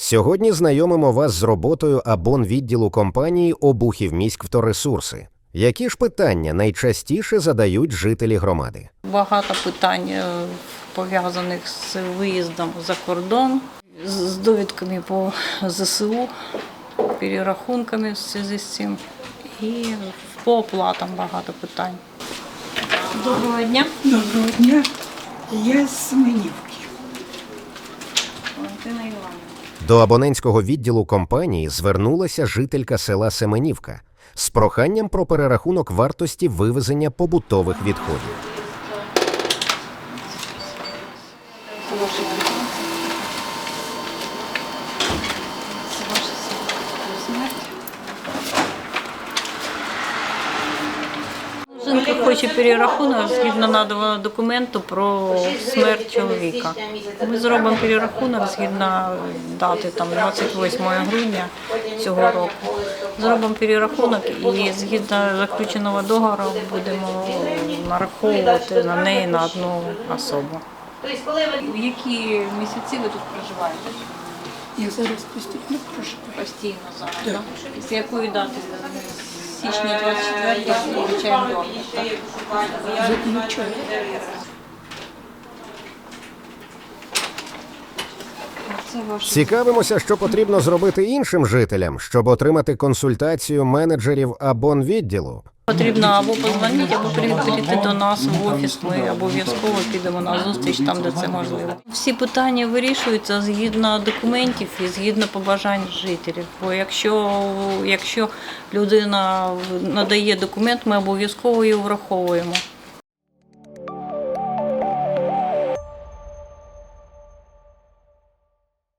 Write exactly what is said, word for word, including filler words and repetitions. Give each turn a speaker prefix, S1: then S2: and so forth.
S1: Сьогодні знайомимо вас з роботою абонвідділу компанії «Обухівміськвторесурси». Які ж питання найчастіше задають жителі громади?
S2: Багато питань пов'язаних з виїздом за кордон, з довідками по ЗСУ, перерахунками в зв'язку з цим і по оплатам багато питань. Доброго дня.
S3: Доброго дня. Я з Семенівки.
S2: Валентина Іванівна.
S1: До абонентського відділу компанії звернулася жителька села Семенівка з проханням про перерахунок вартості вивезення побутових відходів.
S2: Жінка хоче перерахунок згідно наданого документу про смерть чоловіка. Ми зробимо перерахунок згідно дати там, двадцять восьмого грудня цього року. Зробимо перерахунок і згідно заключеного договору будемо нараховувати на неї на одну особу. В які місяці ви тут проживаєте?
S3: Я зараз постійно проживаю.
S2: Постійно зараз, так? З якої дати? З січня двадцять четвертого включаємо договір, так?
S3: Заключаю.
S2: Це ваше.
S1: Цікавимося, що потрібно зробити іншим жителям, щоб отримати консультацію менеджерів абонвідділу.
S2: Потрібно або подзвонити, або прийти до нас в офіс. Ми обов'язково підемо на зустріч там, де це можливо. Всі питання вирішуються згідно документів і згідно побажань жителів. Бо якщо, якщо людина надає документ, ми обов'язково його враховуємо.